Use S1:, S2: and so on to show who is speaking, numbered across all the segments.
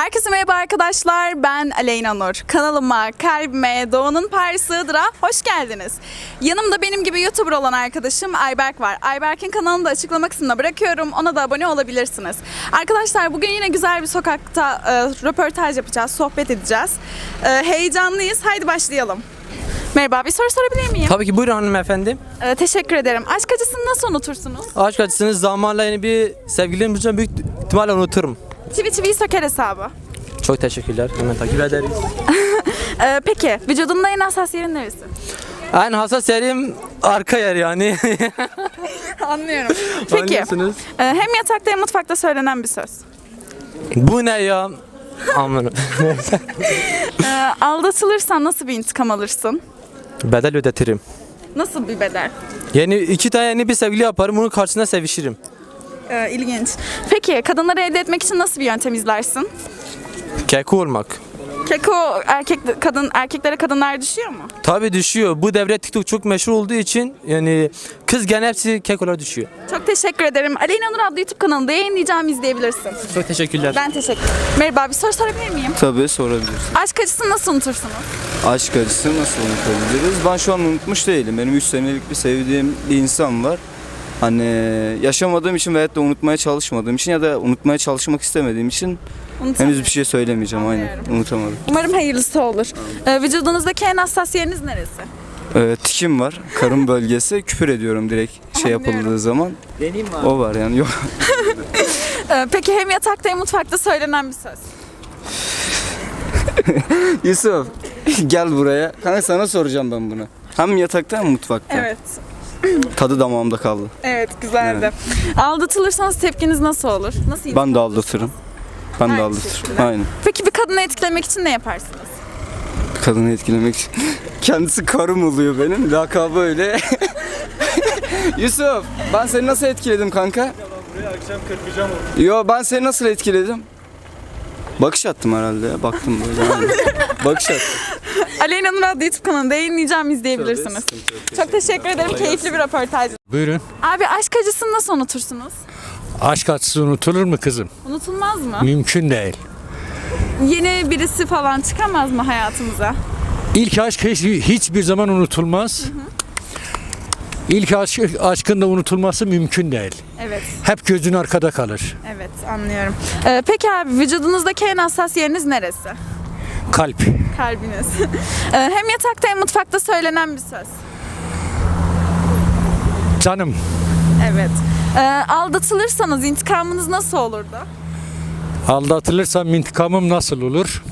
S1: Herkese merhaba arkadaşlar, ben Aleyna Nur. Kanalıma, kalbime, Doğu'nun Paris Iğdır'a hoş geldiniz. Yanımda benim gibi YouTuber olan arkadaşım Ayberk var. Ayberk'in kanalını da açıklama kısmına bırakıyorum, ona da abone olabilirsiniz. Arkadaşlar bugün yine güzel bir sokakta röportaj yapacağız, sohbet edeceğiz. Heyecanlıyız, haydi başlayalım. Merhaba, bir soru sorabilir miyim?
S2: Tabii ki, buyurun hanımefendi.
S1: Teşekkür ederim. Aşk acısını nasıl unutursunuz?
S2: Aşk acısını zamanla yeni bir sevgililerim bulacağım, büyük ihtimalle unuturum.
S1: Çivi çiviyi söker hesabı.
S2: Çok teşekkürler. Hemen takip ederiz.
S1: Peki, vücudunda en hassas yerin neresi?
S2: En hassas yerim arka yer yani.
S1: Anlıyorum. Peki,
S2: Anlıyorsunuz.
S1: hem yatakta hem mutfakta söylenen bir söz.
S2: Bu ne ya? Aman.
S1: Aldatılırsan nasıl bir intikam alırsın?
S2: Bedel ödetirim.
S1: Nasıl bir bedel?
S2: İki tane yeni bir sevgili yaparım, bunun karşısında sevişirim.
S1: İlginç. Peki, kadınları elde etmek için nasıl bir yöntem izlersin?
S2: Keko olmak.
S1: Keko erkeklere kadınlar düşüyor mu?
S2: Tabii düşüyor. Bu devre TikTok çok meşhur olduğu için yani kız gene hepsi kekolar düşüyor.
S1: Çok teşekkür ederim. Aleyna Nur adlı YouTube kanalında yayınlayacağım, izleyebilirsin.
S2: Çok teşekkürler.
S1: Ben teşekkür ederim. Merhaba, bir soru sorabilir miyim?
S3: Tabii sorabilirsin.
S1: Aşk acısını nasıl unutursunuz?
S3: Aşk acısı nasıl unutabiliriz? Ben şu an unutmuş değilim. Benim 3 senelik bir sevdiğim bir insan var. Hani yaşamadığım için veyahut da unutmaya çalışmadığım için ya da unutmaya çalışmak istemediğim için henüz bir şey söylemeyeceğim. Aynen. Unutamadım.
S1: Umarım hayırlısı olur. Vücudunuzdaki en hassas yeriniz neresi?
S3: Tikim var. Karın bölgesi. Küfür ediyorum direkt şey yapıldığı zaman. O var yani. Yok.
S1: Peki, hem yatakta hem mutfakta söylenen bir söz.
S3: Yusuf gel buraya. Kanka sana soracağım ben bunu. Hem yatakta hem mutfakta.
S1: Evet.
S3: Tadı damağımda kaldı.
S1: Evet, güzeldi. Aldatılırsanız tepkiniz nasıl olur? Nasıl
S3: Ben de aldatırım. Ben de
S1: Aynı
S3: aldatırım.
S1: şekilde.
S3: Aynen.
S1: Peki bir kadını etkilemek için ne yaparsınız?
S3: Kadını etkilemek için. Kendisi karım oluyor benim. Lakabı öyle. Yusuf, ben seni nasıl etkiledim kanka?
S4: Buraya akşam kırpacağım onu.
S3: Yo, ben seni nasıl etkiledim? Bakış attım herhalde ya. Baktım böyle. Yani. Bakış attım.
S1: Aleyna Nur adlı YouTube kanalında yayınlayacağım, izleyebilirsiniz. Çok teşekkür ederim. Keyifli bir röportaj.
S5: Buyurun.
S1: Abi, aşk acısını nasıl unutursunuz?
S5: Aşk acısı unutulur mu kızım?
S1: Unutulmaz mı?
S5: Mümkün değil.
S1: Yeni birisi falan çıkamaz mı hayatımıza?
S5: İlk aşk hiçbir zaman unutulmaz. İlk aşkın da unutulması mümkün değil.
S1: Evet,
S5: Hep gözün arkada kalır.
S1: evet, anlıyorum. Peki abi, vücudunuzdaki en hassas yeriniz neresi?
S5: Kalp.
S1: Kalbiniz. Hem yatakta hem mutfakta söylenen bir söz.
S5: Canım.
S1: Evet. Aldatılırsanız intikamınız nasıl olurdu?
S5: Aldatılırsam intikamım nasıl olur?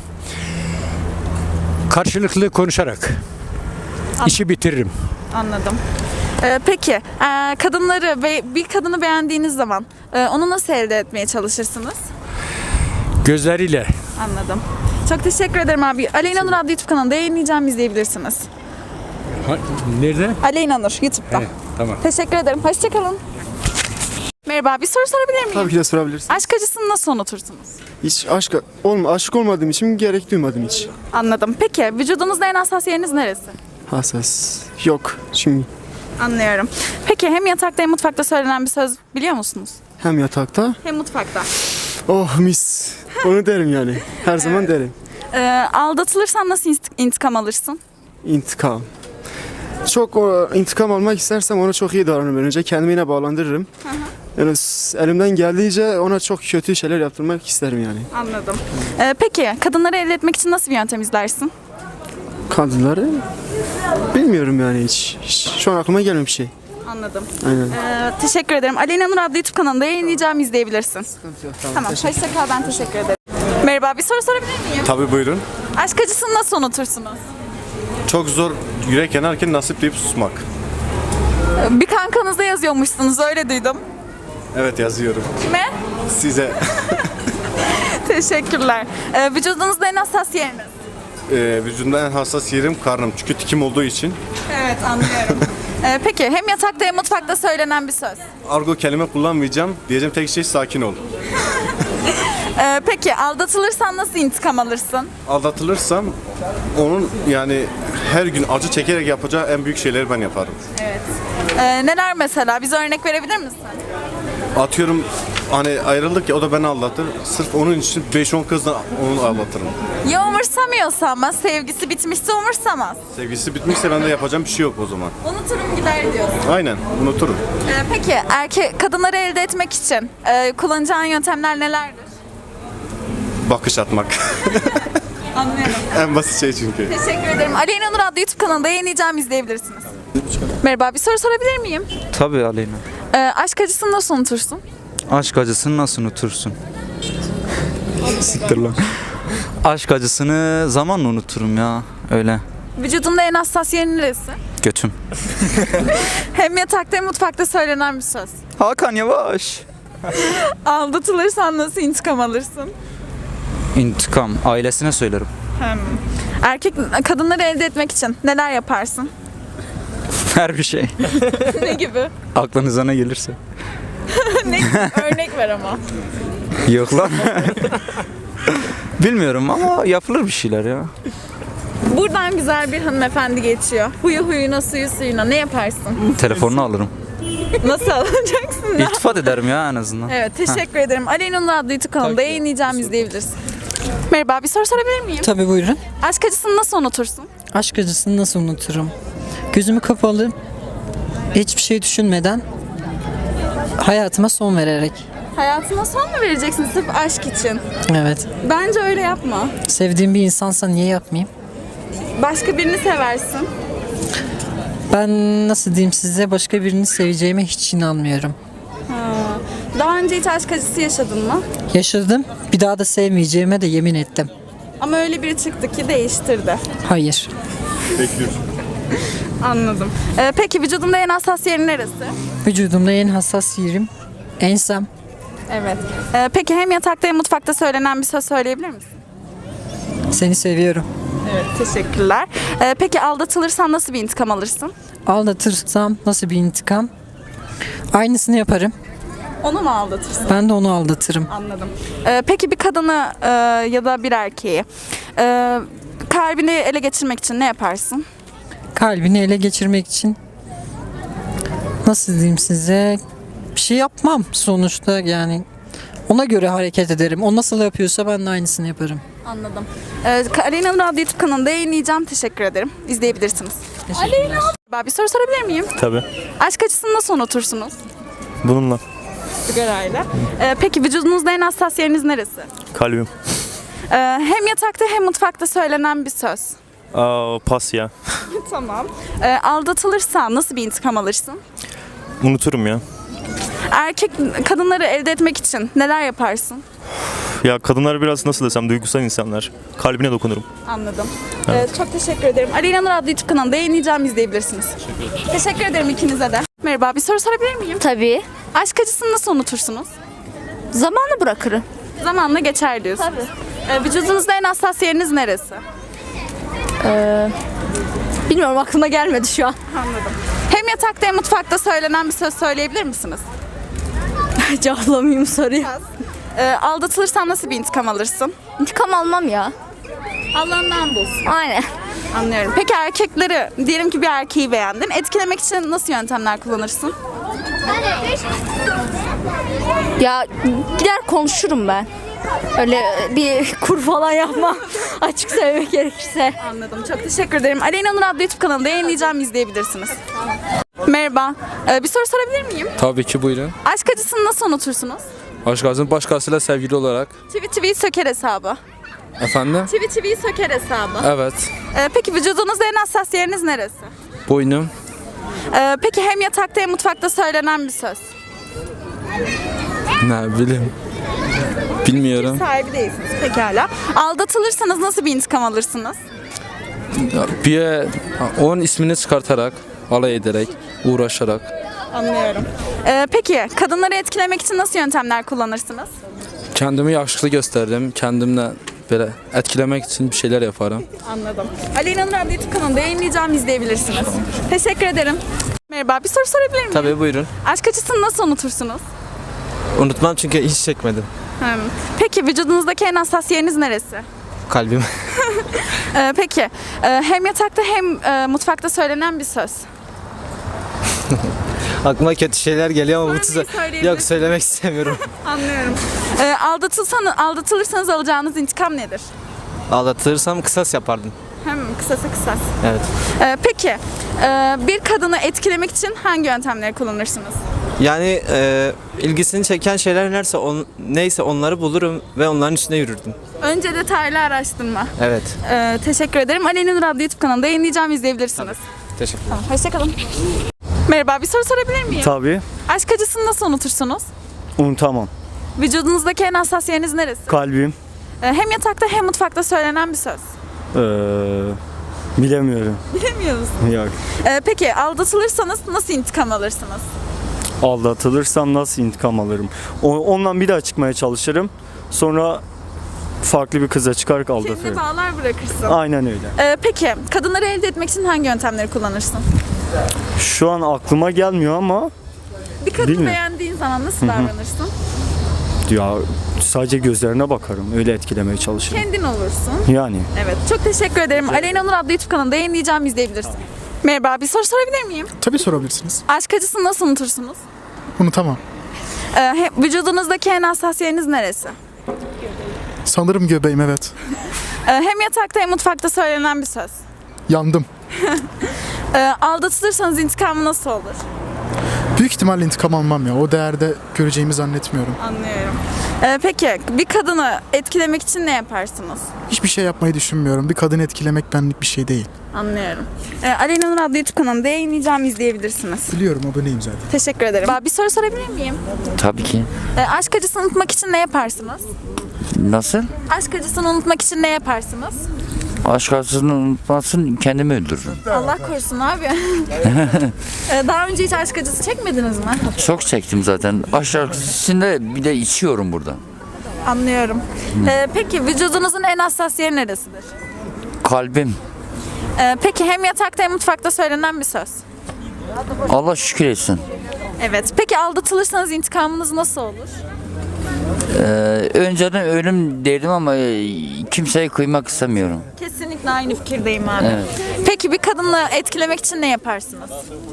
S5: Karşılıklı konuşarak. İşi bitiririm.
S1: Anladım. Peki, kadınları ve bir kadını beğendiğiniz zaman onu nasıl elde etmeye çalışırsınız?
S5: Gözleriyle.
S1: Anladım. Çok teşekkür ederim abi. Aleyna Nur adlı YouTube kanalında yayınlayacağım, izleyebilirsiniz.
S5: Nerede?
S1: Aleyna Nur YouTube'da.
S5: He, tamam.
S1: Teşekkür ederim. Hoşçakalın. Merhaba, bir soru sorabilir miyim?
S6: Tabii ki de sorabilirsin.
S1: Aşk acısını nasıl unutursunuz?
S6: Hiç aşık olmadığım için gerek duymadım hiç.
S1: Anladım. Peki, vücudunuzda en hassas yeriniz neresi?
S6: Hassas. Yok. Çünkü
S1: Anlıyorum. Peki, hem yatakta hem mutfakta söylenen bir söz biliyor musunuz?
S6: hem yatakta.
S1: Hem mutfakta.
S6: Oh mis. Onu derim yani. Her zaman derim.
S1: Aldatılırsan nasıl intikam alırsın?
S6: İntikam. Çok intikam almak istersem ona çok iyi davranırım. Önce kendimi yine bağlandırırım. Yani elimden geldiğince ona çok kötü şeyler yaptırmak isterim yani.
S1: Anladım. Peki, kadınları elde etmek için nasıl bir yöntem izlersin?
S6: Kadınları bilmiyorum yani hiç. Şu an aklıma gelmiyor bir şey.
S1: Anladım.
S6: Aynen.
S1: Teşekkür ederim. Aleyna Nur adlı YouTube kanalında yayınlayacağım, izleyebilirsin. Tamam, hoşça kal, ben teşekkür ederim. Merhaba, bir soru sorabilir miyim?
S4: Tabii buyurun.
S1: Aşk acısını nasıl unutursunuz?
S4: Çok zor yürek yanarken nasip deyip susmak.
S1: Bir kankanızda yazıyormuşsunuz, öyle duydum.
S4: Evet, yazıyorum.
S1: Kime?
S4: Size
S1: Teşekkürler. Vücudunuzda en hassas yeriniz?
S4: vücudumda en hassas yerim karnım. Çünkü tikim olduğu için.
S1: Evet, anlıyorum. Peki, hem yatakta hem mutfakta söylenen bir söz.
S4: Argo kelime kullanmayacağım. Diyeceğim tek şey sakin ol.
S1: Peki, aldatılırsan nasıl intikam alırsın?
S4: Aldatılırsam onun yani her gün acı çekerek yapacağı en büyük şeyleri ben yaparım.
S1: Evet. Neler mesela? Bize örnek verebilir misin?
S4: Atıyorum hani ayrıldık ya, o da beni aldatır. Sırf onun için 5-10 kızla onu aldatırım.
S1: Ya umursamıyorsa ama sevgisi bitmişse umursamaz.
S4: Sevgisi bitmişse ben de yapacağım bir şey yok o zaman.
S1: Unuturum gider diyorsun.
S4: Aynen, unuturum.
S1: Peki kadınları elde etmek için kullanacağın yöntemler nelerdir?
S4: Bakış atmak.
S1: Anlıyorum.
S4: En basit şey çünkü.
S1: Teşekkür ederim. Aleyna Nur adlı YouTube kanalında yayınlayacağım, izleyebilirsiniz. Merhaba, bir soru sorabilir miyim?
S7: Tabii Aleyna.
S1: Aşk acısını nasıl unutursun?
S7: Aşk acısını nasıl unutursun? Siktir lan. Aşk acısını zamanla unuturum ya. Öyle.
S1: Vücudunda en hassas yerin neresi?
S7: Götüm.
S1: Hem yatakta hem mutfakta söylenen bir söz.
S7: Hakan Yavaş.
S1: Aldatılırsan nasıl intikam alırsın?
S7: İntikam. Ailesine söylerim.
S1: Kadınları elde etmek için neler yaparsın?
S7: Her bir şey.
S1: Ne gibi?
S7: Aklınıza ne gelirse.
S1: Örnek ver ama.
S7: Yok lan. Bilmiyorum ama yapılır bir şeyler ya.
S1: Buradan güzel bir hanımefendi geçiyor. Huyu huyuna, suyu suyuna ne yaparsın?
S7: Telefonunu alırım.
S1: Nasıl alacaksın ya?
S7: İltifat ederim ya en azından.
S1: Evet, teşekkür ederim. Aleyna Nur adlı YouTube kanalında yayınlayacağım, izleyebilirsin. Merhaba, bir soru sorabilir miyim?
S8: Tabii buyurun.
S1: Aşk acısını nasıl unutursun?
S8: Aşk acısını nasıl unuturum? Gözümü kapalı, hiçbir şey düşünmeden hayatıma son vererek.
S1: Hayatına son mu vereceksin sırf aşk için?
S8: Evet.
S1: Bence öyle yapma.
S8: Sevdiğim bir insansa niye yapmayayım?
S1: Başka birini seversin.
S8: Ben nasıl diyeyim size, başka birini seveceğime hiç inanmıyorum.
S1: Daha önce hiç aşk acısı yaşadın mı?
S8: Yaşadım, bir daha da sevmeyeceğime de yemin ettim.
S1: Ama öyle biri çıktı ki değiştirdi.
S8: Hayır.
S4: Bekliyorum.
S1: Anladım. Peki vücudunda en hassas yerin neresi?
S8: Vücudumda en hassas yerim ensem.
S1: Evet. Peki hem yatakta hem mutfakta söylenen bir söz söyleyebilir misin?
S8: Seni seviyorum.
S1: Evet, teşekkürler. Peki aldatılırsan nasıl bir intikam alırsın?
S8: Aldatırsam nasıl bir intikam? Aynısını yaparım.
S1: Onu mu aldatırsın?
S8: Ben de onu aldatırım.
S1: Anladım. Peki bir kadını ya da bir erkeği kalbini ele geçirmek için ne yaparsın?
S8: Kalbini ele geçirmek için nasıl diyeyim size, bir şey yapmam sonuçta, yani ona göre hareket ederim. O nasıl yapıyorsa ben de aynısını yaparım.
S1: Anladım. Aleyna Nur adlı YouTube kanalında yayınlayacağım. Teşekkür ederim. İzleyebilirsiniz. Aleyna. Bir soru sorabilir miyim?
S9: Tabii.
S1: Aşk acısını nasıl unutursunuz?
S9: Bununla.
S1: Sigarayla. Peki vücudunuzda en hassas yeriniz neresi?
S9: Kalbim.
S1: Hem yatakta hem mutfakta söylenen bir söz.
S9: Pas ya.
S1: Tamam. Aldatılırsan nasıl bir intikam alırsın?
S9: Unuturum ya.
S1: Kadınları elde etmek için neler yaparsın?
S9: Ya kadınlar biraz nasıl desem duygusal insanlar. Kalbine dokunurum.
S1: Anladım. Çok teşekkür ederim. Aleyna Nur adlı YouTube kanalında yayınlayacağım, izleyebilirsiniz. Teşekkür ederim ikinize de. Merhaba, bir soru sorabilir miyim?
S10: Tabii.
S1: Aşk acısını nasıl unutursunuz?
S10: Zamanla bırakırım.
S1: Zamanla geçer diyorsunuz. Vücudunuzda en hassas yeriniz neresi?
S10: Bilmiyorum, aklıma gelmedi şu an.
S1: Anladım. Hem yatakta hem mutfakta söylenen bir söz söyleyebilir misiniz?
S10: Cevaplamayayım soruyu.
S1: Aldatılırsan nasıl bir intikam alırsın?
S10: İntikam almam ya.
S1: Allah'ından bulsun.
S10: Aynen.
S1: Anlıyorum. Peki erkekleri, diyelim ki bir erkeği beğendin. Etkilemek için nasıl yöntemler kullanırsın?
S10: Ya gider konuşurum ben. Öyle bir kur falan yapmam. Açık söylemek gerekirse.
S1: Anladım. Çok teşekkür ederim. Aleyna Nur adlı YouTube kanalında yayınlayacağım, izleyebilirsiniz. Merhaba. Bir soru sorabilir miyim?
S2: Tabii ki buyurun.
S1: Aşk acısını nasıl unutursunuz?
S2: Aşk acısını başkasıyla sevgili olarak.
S1: Çivi söker hesabı.
S2: Efendim?
S1: Çivi söker hesabı.
S2: Evet.
S1: Peki vücudunuzda en hassas yeriniz neresi?
S2: Boynum.
S1: Peki hem yatakta hem mutfakta söylenen bir söz.
S2: Ne bileyim. Bilmiyorum.
S1: Sahibi değilsiniz. Pekala. Aldatılırsanız nasıl bir intikam alırsınız?
S2: Bir onun ismini çıkartarak, alay ederek, uğraşarak.
S1: Anlıyorum. Peki kadınları etkilemek için nasıl yöntemler kullanırsınız?
S2: Kendimi yakışıklı gösterdim. Kendimle böyle etkilemek için bir şeyler yaparım.
S1: Anladım. Aleyna Nur adlı YouTube kanalında yayınlayacağım, izleyebilirsiniz. Teşekkür ederim. Merhaba, bir soru sorabilir miyim?
S11: Tabii buyurun.
S1: Aşk acısını nasıl unutursunuz?
S11: Unutmam çünkü hiç çekmedim.
S1: Peki vücudunuzdaki en hassas yeriniz neresi?
S11: Kalbim.
S1: Peki hem yatakta hem mutfakta söylenen bir söz.
S11: Aklıma kötü şeyler geliyor ama bu
S1: Sormayı
S11: tuza...
S1: söyleyebilirsin.
S11: Yok, söylemek istemiyorum.
S1: Anlıyorum. Aldatılırsanız alacağınız intikam nedir?
S11: Aldatılırsam kısas yapardım.
S1: Hem kısasa kısas.
S11: Evet.
S1: Peki bir kadını etkilemek için hangi yöntemleri kullanırsınız?
S11: Yani ilgisini çeken şeyler neyse onları bulurum ve onların üstüne yürürdüm.
S1: Önce detaylı araştırma.
S11: Evet.
S1: Teşekkür ederim. Aleyna Nur adlı YouTube kanalında yayınlayacağım, izleyebilirsiniz.
S11: Teşekkür ederim.
S1: Tamam, hoşçakalın. Merhaba, bir soru sorabilir miyim?
S12: Tabii.
S1: Aşk acısını nasıl unutursunuz?
S12: Unutamam.
S1: Vücudunuzdaki en hassas yeriniz neresi?
S12: Kalbim.
S1: Hem yatakta hem mutfakta söylenen bir söz.
S12: Bilemiyorum.
S1: Bilemiyoruz.
S12: Yok.
S1: Peki aldatılırsanız nasıl intikam alırsınız?
S12: Aldatılırsam nasıl intikam alırım? Ondan bir daha çıkmaya çalışırım. Sonra farklı bir kıza çıkarak
S1: Kendine
S12: aldatırım.
S1: bağlar bırakırsın.
S12: Aynen öyle.
S1: Peki kadınları elde etmek için hangi yöntemleri kullanırsın?
S12: Şu an aklıma gelmiyor ama
S1: Bir kadını
S12: Bilmiyorum.
S1: beğendiğin zaman nasıl davranırsın?
S12: ya sadece gözlerine bakarım. Öyle etkilemeye çalışırım.
S1: Kendin olursun.
S12: Yani.
S1: Evet. Çok teşekkür ederim. Aleyna Nur adlı YouTube kanalında yayınlayacağım, izleyebilirsin. Merhaba, bir soru sorabilir miyim?
S6: Tabii sorabilirsiniz.
S1: Aşk acısını nasıl unutursunuz?
S6: Unutamam.
S1: Vücudunuzdaki en hassas yeriniz neresi?
S6: Sanırım göbeğim, evet.
S1: Hem yatakta hem mutfakta söylenen bir söz.
S6: Yandım.
S1: Aldatılırsanız intikamı nasıl olur?
S6: Büyük ihtimalle intikam almam ya. O değerde göreceğimi zannetmiyorum.
S1: Anlıyorum. Peki bir kadını etkilemek için ne yaparsınız?
S6: Hiçbir şey yapmayı düşünmüyorum. Bir kadını etkilemek benlik bir şey değil.
S1: Anlıyorum. Aleyna Nur adlı YouTube kanalında yayınlayacağım, izleyebilirsiniz.
S6: Biliyorum, aboneyim zaten.
S1: Teşekkür ederim. Bir soru sorabilir miyim?
S13: Tabii ki.
S1: Aşk acısını unutmak için ne yaparsınız?
S13: Nasıl?
S1: Aşk acısını unutmak için ne yaparsınız?
S13: Aşk acısını unutmasın, kendimi öldürürüm.
S1: Allah korusun abi. Daha önce hiç aşk acısı çekmediniz mi?
S13: Çok çektim zaten. Aşk acısında bir de içiyorum burada.
S1: Anlıyorum. Peki vücudunuzun en hassas yeri neresidir?
S13: Kalbim.
S1: Peki hem yatakta hem mutfakta söylenen bir söz.
S13: Allah şükür etsin.
S1: Evet. Peki aldatılırsanız intikamınız nasıl olur?
S13: Önceden ölüm derdim ama kimseye kıymak istemiyorum.
S1: Kesinlikle aynı fikirdeyim abi.
S13: Evet.
S1: Peki bir kadını etkilemek için ne yaparsınız?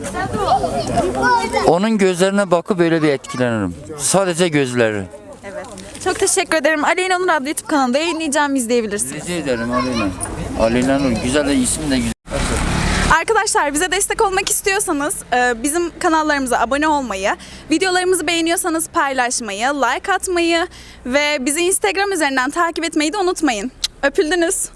S13: Onun gözlerine bakıp böyle bir etkilenirim. Sadece gözleri.
S1: Evet. Çok teşekkür ederim. Aleyna Nur adlı YouTube kanalında yayınlayacağım, izleyebilirsiniz.
S13: Rica ederim Aleyna. Aleyna Nur. Güzel de isim de güzel.
S1: Arkadaşlar bize destek olmak istiyorsanız bizim kanallarımıza abone olmayı, videolarımızı beğeniyorsanız paylaşmayı, like atmayı ve bizi Instagram üzerinden takip etmeyi de unutmayın. Öpüldünüz.